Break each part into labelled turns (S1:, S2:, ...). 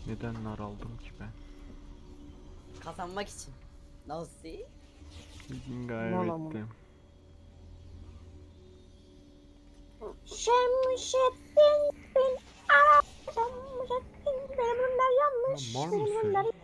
S1: Neden nar aldım ki ben?
S2: Kazanmak için. Nasıl?
S1: Bugün
S3: Vallahi.
S1: kaybettim.
S3: Şemsettin bin Şemsettin benim ürünler
S1: Ya
S3: yanlış.
S1: mal
S3: Benim ürünler
S1: mısın?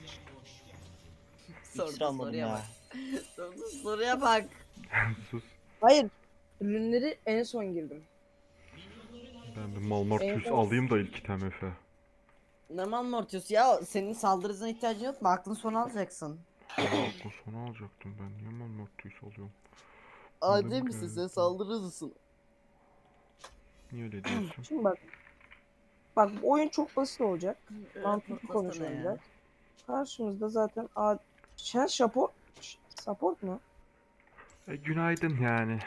S2: Sordu
S4: İksir almadım
S2: soruya
S4: ya.
S2: bak. Sordu soruya bak.
S1: Sus.
S3: Hayır. Ürünleri en son girdim.
S1: Ben bir Malmartius
S3: Evet.
S1: alayım da ilk TMF.
S2: Normal Mortius ya, senin saldırısına ihtiyacın yok mu? Aklın sonu alacaksın.
S1: Aklı sonu alacaktım ben. Niye Malmartius alıyorum?
S2: Adi
S1: Öyle mi
S2: misin sen,
S1: geldi?
S2: saldırı hızlısın.
S1: Niye öyle diyorsun?
S3: Şimdi bak. Bak bu oyun çok basit olacak. Mantıklı
S2: Patlasana
S3: konuşalım
S2: ya.
S3: biraz. Karşımızda zaten sen support mu?
S1: Günaydın yani.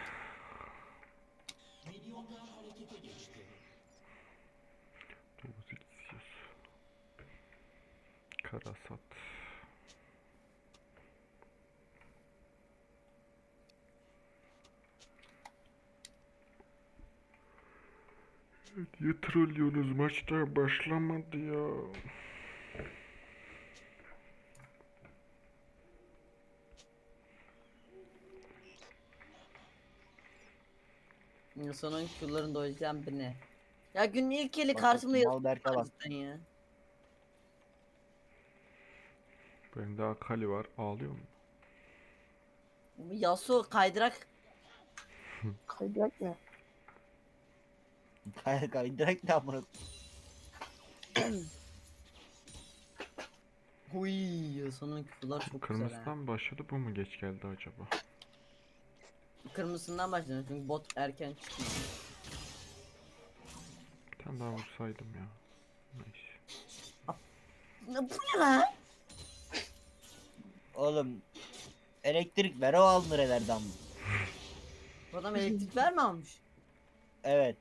S1: Dokuz istiyoruz. Karasat. Niye trollüyorsunuz? Maç daha başlamadı ya.
S2: Sonun Q'larını doyacağım beni. Ya günün ilk eli
S4: Bak
S2: karşımda
S4: bakayım,
S2: yazıyor.
S4: Malberk'e bak.
S2: Cidden ya.
S1: Bende Akali var. Ağlıyor mu?
S2: Bu Yasuo kaydırak.
S3: Kaydırak ne?
S4: Direkt ne amına.
S2: Huy, sonun Q'lar çok güzel ha.
S1: Kırmızıdan mı başladı, bu mu geç geldi acaba?
S2: Kırmızısından başlayalım çünkü bot erken çıkıyor.
S1: Bir tane daha vursaydım ya. Neyse.
S2: Bu ne lan?
S4: Oğlum elektrik ver, o alınır elerden.
S2: Bu adam elektrikler mi almış?
S4: Evet.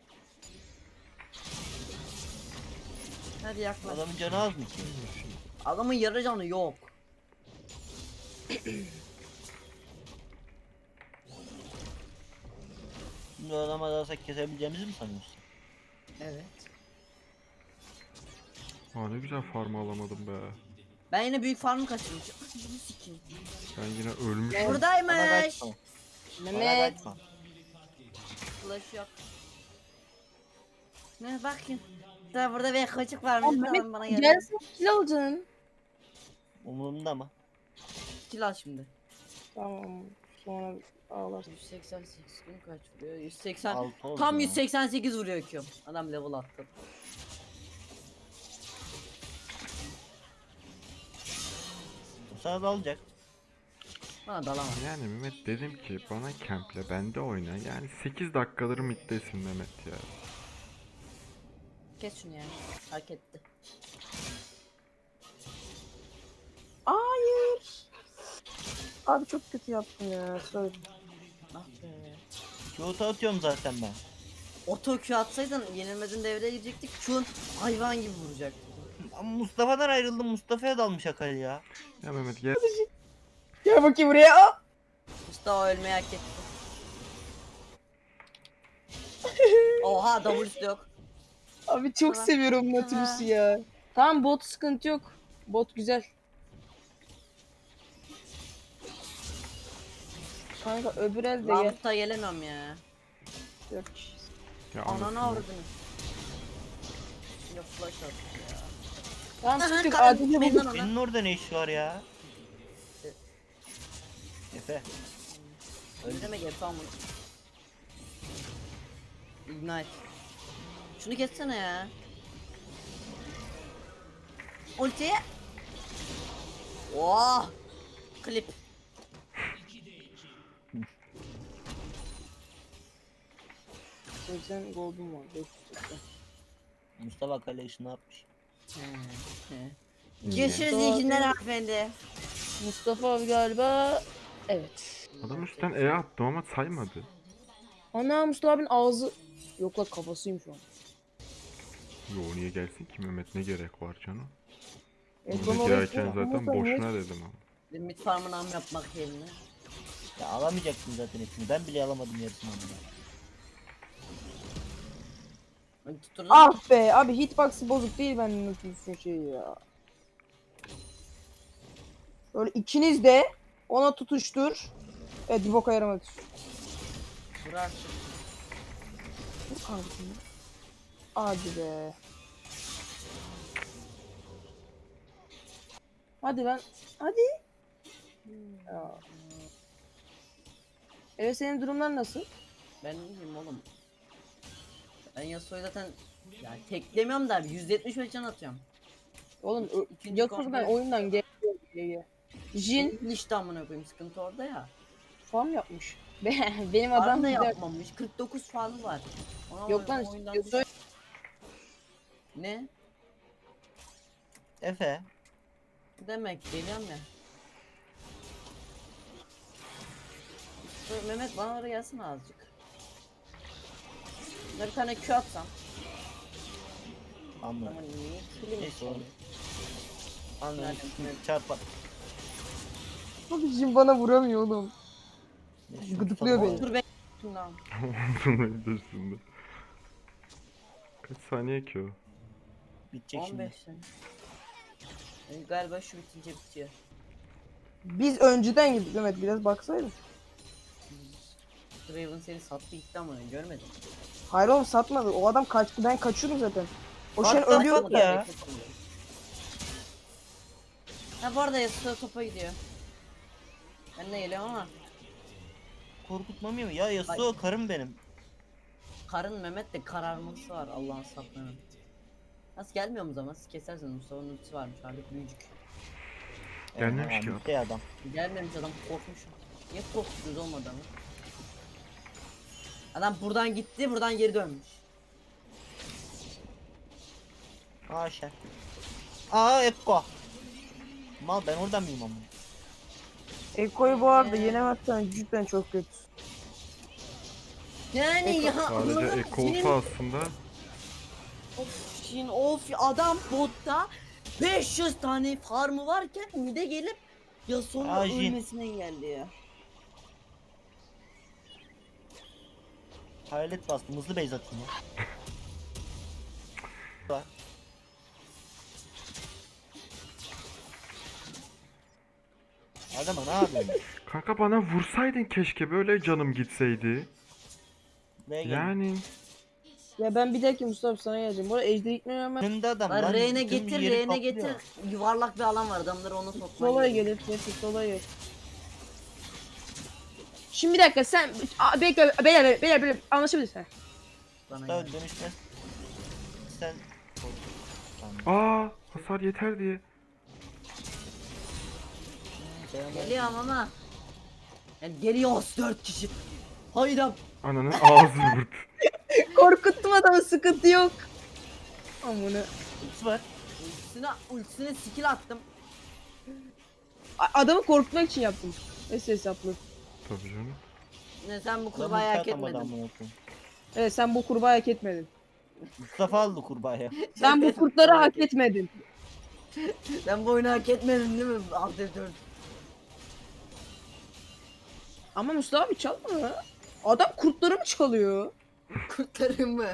S2: Hadi yaklaş.
S4: Adamın canı az mı ki?
S2: Adamın yarı canı yok.
S4: Şimdi o adama dalsak kesebileceğimizi mi sanıyorsun?
S2: Evet.
S1: Aa, ne güzel farm alamadım be.
S2: Ben yine büyük farmı kaçırmışım. Bunu sikeyim.
S1: Ben yine ölmüşüm.
S4: Bana
S2: Buradaymış.
S4: kaçma. Bana
S3: Mehmet.
S4: kaçma.
S2: Flash yok. Ne bakayım. Daha burada bir koçuk varmış.
S3: Oğlum
S2: Tamam, bana
S3: Mehmet
S2: gel.
S3: gelsin kill alacaksın.
S4: Umurumda mı?
S2: Kill al şimdi.
S3: Tamam sonra ağlarsın.
S2: 188 gün kaç vuruyor? 180.
S4: Altı oldu
S2: Tam
S4: ya.
S2: 188 vuruyor Q'm. Adam level attı.
S4: O sana dalacak.
S2: Bana dalamaz.
S1: Yani Mehmet, dedim ki bana cample bende oyna. Yani 8 dakikadır middesin Mehmet ya.
S2: Kes şunu yani. Hak etti.
S3: Hayır. Abi çok kötü yaptım ya. Sorry.
S2: Ah be.
S4: Kyoto atıyorum zaten ben.
S2: Oto Q atsaydın yenilmezin devreye girecektik. Q'un hayvan gibi vuracak.
S4: Ama Mustafa'dan ayrıldım. Mustafa'ya dalmış Akali ya.
S1: Ya Mehmet gel.
S3: Gel bakayım buraya. Aa!
S2: Mustafa ölmeyi hak etti. Oha, W'su yok.
S3: Abi çok
S2: Tamam.
S3: seviyorum Nautilus'u ya. Tamam bot sıkıntı yok. Bot güzel. Kanka öbür elde gel.
S2: Lampta gelemem ya.
S3: Yok.
S1: Ya
S2: Ananı
S1: anasını.
S2: avradını. Yok, flash attı ya.
S3: Tamam
S2: Aha,
S3: sıkıntı yok.
S2: karın
S3: Adil'e
S2: meydan
S3: bulduk.
S2: ona.
S4: Senin orada ne iş var ya? Efe.
S2: Ne demek yapalım bunu? Ignite. Şunu kessene ya. Ulti. Oh! Klip.
S3: Sen gold'un var. 500'de.
S4: Mustafa Akali işini yapmış.
S2: Görüşürüz
S3: Doğru.
S2: iyi günler hanımefendi.
S3: Mustafa abi galiba. Evet.
S1: Adam üstten E attım ama saymadı.
S3: Ana Mustafa abinin ağzı. Yok la kafasıymış o.
S1: Yo, niye gelsin ki Mehmet, ne gerek var canım?
S3: Ekran
S1: Onu
S3: oraya
S1: girerken
S3: koy.
S1: zaten
S3: Ama sen niye-
S1: boşuna dedim ama.
S2: Bir mid farmını am yapmak yerine.
S4: Ya alamayacaktın zaten hepsini. Ben bile alamadım yarısını.
S2: Hadi tutturdun.
S3: Ah be abi, hitbox'ı bozuk değil, ben unutmuşsun şeyi ya. Böyle ikiniz de ona tutuştur. Evet, bir boka yaramadı.
S2: Dur artık.
S3: Dur kankacığım. Hadi be. Hadi lan. Hadi. Ya. Evet, senin durumlar nasıl?
S2: Ben ne bileyim oğlum. Ben Yasuo'yu zaten ya teklemiyorum da 175 can atıyorum.
S3: Oğlum
S2: İkinci
S3: Yasuo'dan
S2: komple-
S3: oyundan geliyor. Jin
S2: işte amına koyayım, sıkıntı orada ya.
S3: farm yapmış. Benim
S2: Adam
S3: adam
S2: da
S3: güzel.
S2: yapmamış. 49 farmı var. Ona
S3: Yok lan,
S2: oyundan
S3: Yasuo
S2: ne?
S4: Efe.
S2: Demek geliyorum ya. Mehmet bana oraya gelsene azıcık. Ne bir tane Q atsam.
S4: Anladım.
S2: Ama niye kilim
S4: Neyse
S2: yok?
S4: oğlum. Anladım.
S2: Nereden?
S4: Çarpar.
S3: Abi Jin bana vuramıyor oğlum.
S4: Neyse,
S3: Gıdıklıyor
S4: tutalım.
S3: beni.
S2: Dur be. Şundan.
S1: Bunun üstünde. Kaç saniye ki o?
S4: Bitecek
S2: 15
S4: şimdi.
S2: sene. Galiba şu bitince bitiyor.
S3: Biz önceden gittik Mehmet, biraz baksaydın.
S2: Draven seni sattı gitti ama görmedim.
S3: Hayır oğlum, satmadı. O adam kaçtı, ben kaçıyordum zaten. O
S4: Bak,
S3: şey
S4: satmadı
S3: ölüyor
S4: ya.
S3: ya.
S2: Ha bu arada Yasuo topa gidiyor. Ben de geliyorum ama
S4: Korkutmamıyor mu? Ya Yasuo karım benim.
S2: karın Mehmet de kararması var Allah'ın saplarının. Nasıl gelmiyor mu zaman? Siz kesersiniz, Mustafa'nın ultisi varmış artık büyücük.
S1: Gelmemiş ki
S4: Bitti adam.
S2: Gelmemiş adam, korkmuş. Niye korktunuz oğlum adamı? Adam buradan gitti, buradan geri dönmüş.
S4: Haşa. Aa Ekko. Mal, ben oradan mıyım ama?
S3: Ekko'yu bu arada yenemezsen cidden çok kötü.
S2: Yani ya
S1: Sadece
S2: anladın mı?
S1: Eko
S2: Senin-
S1: olsa aslında
S2: Of, şimdi of adam botta 500 tane farmı varken mide gelip Yasuo'nun
S4: Ajin.
S2: ölmesine engelliyor.
S4: Hayalet bastım. Hızlı base atayım ya. Var. Adama ne yapıyorsun?
S1: kanka bana vursaydın keşke, böyle canım gitseydi.
S4: Buraya gel.
S1: Yani
S3: Ya ben bir dahaki Mustafa sana geleceğim. Bu arada Ejder gitmiyor ama
S4: Önünde adam
S2: Lan
S4: lan.
S2: Reyne
S4: tüm
S2: getir,
S4: yeri
S2: Reyne
S4: kaplıyor.
S2: getir. Yuvarlak bir alan var, adamları ona sokman
S3: Solaya
S2: gerekiyor.
S3: gelir. Neyse solaya gelir. Şimdi bir dakika sen bekle, beyler anlaşabiliriz ha.
S2: Bana
S4: Daha
S2: gel.
S4: dönüşmez. Sen... Tamam.
S1: hasar yeter diye.
S2: Geliyorum ama. Yani geliyoruz 4 kişi. Hayda.
S1: Ananın ağzı vurdu.
S3: Korkuttum adamı, sıkıntı yok. Amına.
S4: Ultisi var.
S2: Ultisine skill attım.
S3: Adamı korkutmak için yaptım. Neyse hesaplı.
S1: Tabii canım.
S2: Ne sen bu
S4: Adam
S2: kurbağayı hak
S4: ulti atamadı
S2: etmedin.
S4: amına koyayım.
S3: Evet, sen bu kurbağa hak etmedin.
S4: Mustafa aldı kurbağaya.
S3: Sen bu kurtları hak etmedin.
S2: Sen bu oyunu hak etmedin değil mi? Alt F4.
S3: Ama Mustafa abi çalma ya. Adam kurtları mı çalıyor?
S2: Kurtarın mı?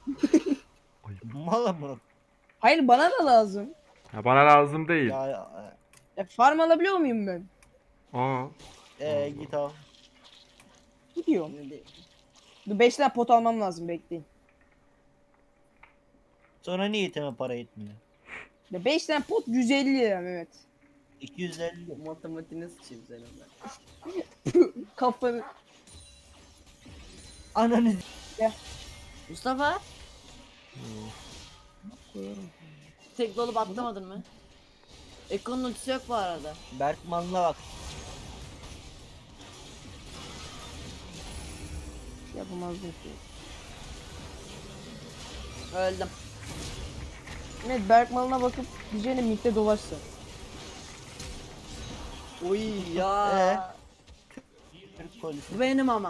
S4: Mal amına.
S3: Hayır, bana da lazım.
S1: Ya bana lazım değil.
S3: Ya farm alabiliyor muyum ben?
S1: Aa,
S4: Git al.
S3: Gidiyorum. Dur 5 tane pot almam lazım, bekleyin.
S4: Sonra niyetime para etmiyor.
S3: Ya 5 tane pot 150 lira Mehmet.
S4: 250.
S2: Matematiğine sıçayım senin ben.
S3: Kafanı.
S4: Ananı
S2: Mustafa, tek dolup atlamadın mı? Eko'nun ultisi yok bu arada.
S4: Berkman'la bak.
S3: Yapamazdım ki.
S2: Öldüm.
S3: Mehmet Berkman'a bakıp diyeceğine mitte dolaşsa.
S2: Oy ya.
S4: Türk polisi.
S2: Bu benim ama.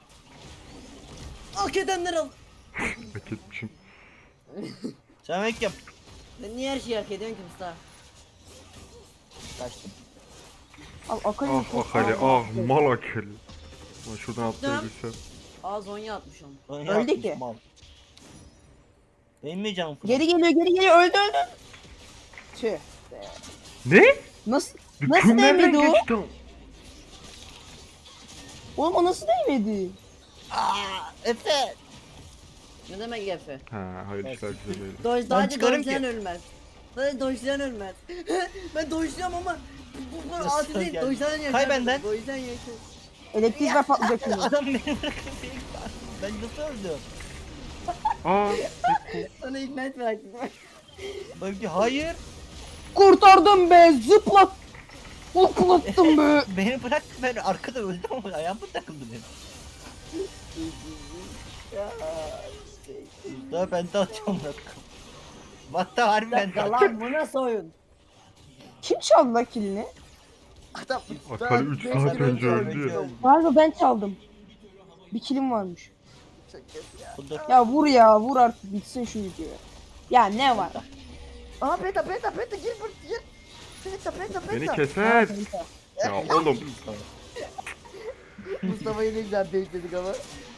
S2: Hak edenler al.
S1: hak etmişim.
S4: Sen ek yap.
S2: Sen niye her şeyi hak ediyorsun ki Mustafa?
S4: Kaçtım.
S3: Al Akali.
S1: Ah Akali, mal Akali. Ulan şuradan atlayabilsem.
S2: Aa Zonya atmış onu.
S4: Lan
S3: Öldü
S4: yapmış
S3: ki.
S4: mal. Benim mi canım full?
S3: Geri geliyor öldü. Tüh.
S1: Ne?
S3: Nasıl
S1: Kim nereden
S3: değmedi o?
S1: geçti o?
S3: Oğlum o nasıl değmedi?
S4: Efe.
S2: Ne demek Efe?
S1: Ha hayır
S4: Evet.
S1: işler güzel değil.
S2: Sadece
S4: çıkarım
S2: dojlayan
S4: ki.
S2: ölmez. Sadece dojlayan ölmez. Ben dojluyorum ama bu
S4: Nasıl
S2: adil değil.
S4: geldi?
S2: Dojlayan yaşar.
S4: Kay benden.
S2: Dojlayan yaşar.
S3: Elektrikler patlayacak şimdi.
S4: Adam beni bırakıp ben nasıl öldüm?
S1: Aa
S2: Sana ignite bıraktım.
S4: Belki hayır.
S3: Kurtardım be zıplat. Hoplattım be.
S4: Beni bırak, ben arkada öldüm ama ayağım mı takıldı benim? Daha ben de atacağım bırak. Hatta harbi ben de
S2: Ya lan bu nasıl oyun?
S3: Kim çaldı la kilini?
S2: Adam
S1: Akali 3
S2: beş
S1: saat
S2: gün
S1: önce öldü ya.
S3: Galiba ben çaldım. Bir kilim varmış.
S4: Dur.
S3: Ya vur artık bitsin şu video. Ya ne var?
S2: Aha peta gir gir. Peta.
S1: Beni keser. Ya oğlum.
S2: Mustafa'yı ne güzel bekledik ama.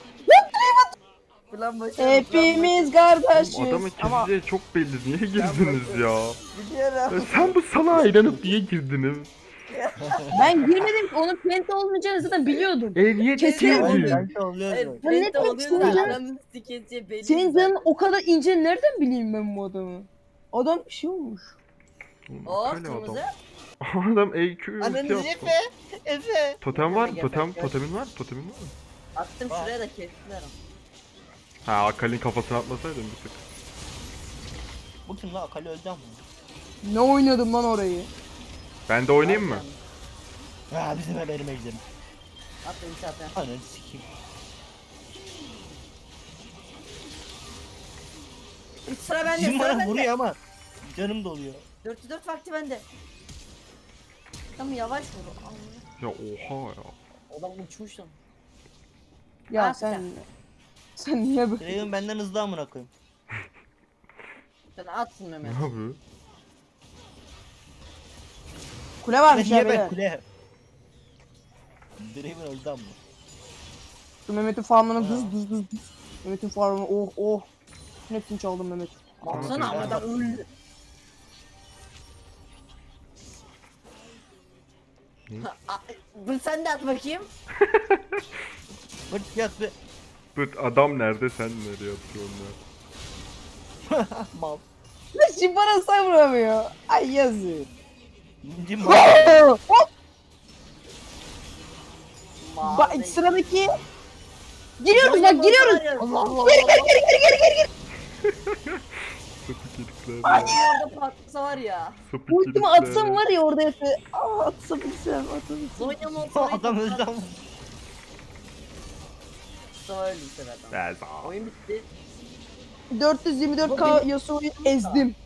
S2: Plan başı.
S3: Hepimiz kardeşiz.
S1: Oğlum adamın
S3: Ama
S1: keseceği çok belli. Niye girdiniz ya? Ya
S2: Gidiyorum.
S1: sen bu salağa inanıp niye girdiniz?
S3: ben girmedim ki onun penta olmayacağını zaten biliyordum.
S1: Niye
S3: Kesin
S4: Hayır,
S1: girdin?
S4: ben de oluyor
S2: Evet,
S4: böyle.
S3: Ben ne
S2: penta
S3: demek
S2: oluyor
S3: istiyorum
S2: da
S3: ya?
S2: adamın sikesi belli.
S3: Senin
S2: zaten.
S3: canın o kadar ince nereden bileyim ben bu adamı? Adam bir şey olmuş.
S1: Oğlum,
S2: Oh
S1: Akali
S2: kırmızı.
S1: adam. Adam EQ
S4: Ananı
S1: ulti yaptı.
S4: Efe. Efe.
S1: Totem var mı?
S2: Geber,
S1: Totem,
S2: geber.
S1: totemin var mı? Totemin var mı?
S2: Attım
S4: Aa.
S2: şuraya da kestiler ama.
S1: Ha Akali'nin kafasına atmasaydın bir tık.
S4: Bu kim lan? Akali öldü ama.
S3: Ne oynadım lan orayı?
S1: Ben de oynayayım mı?
S4: Ha bizim benim ejderim.
S2: Attım zaten.
S4: Ananı sikeyim.
S2: Sıra bende
S4: Bizim
S2: sıra
S4: bana
S2: bende.
S4: vuruyor ama canım doluyor.
S2: 404 vakti bende. Tamam yavaş vur. Allah.
S1: Ya oha ya.
S2: Adam uçmuş lan.
S3: Ya
S2: Ah,
S3: sen niye böyle?
S4: Draven benden hızlı amına koyayım.
S2: Sen atsın
S1: Ne
S2: Mehmet.
S1: yapıyor?
S3: Kule varmış ya
S4: Niye ben
S3: beyler.
S4: kule? Draven öldü ama.
S3: Şu Mehmet'in farmını dız. Mehmet'in farmını oh. Hepsini çaldım Mehmet.
S2: Baksana ama adam öldü. Bunu sen de at bakayım.
S4: Vırt yat be.
S1: Bıt adam nerede sen nereye atıyorsun ya?
S4: Mal.
S3: Şimdi bana savramıyor. Ay yazık.
S4: İnci mal.
S2: Mavi.
S3: Sıradaki. Giriyoruz bak giriyoruz.
S2: Allah Allah.
S3: Geri.
S1: Sapık herifler
S2: Hadi
S1: ya.
S2: orada patlasa var ya.
S1: Sapık
S3: Ultimi
S1: herifler
S3: atsam
S1: ya.
S3: var ya orada Efe. Atsam gitsem.
S2: Zonya motoru.
S4: Adam öldü ama.
S2: Mustafa öldü bu sefer.
S1: Ya sağ ol.
S2: Oyun bitti.
S3: 424k Yasuo'yu ezdim.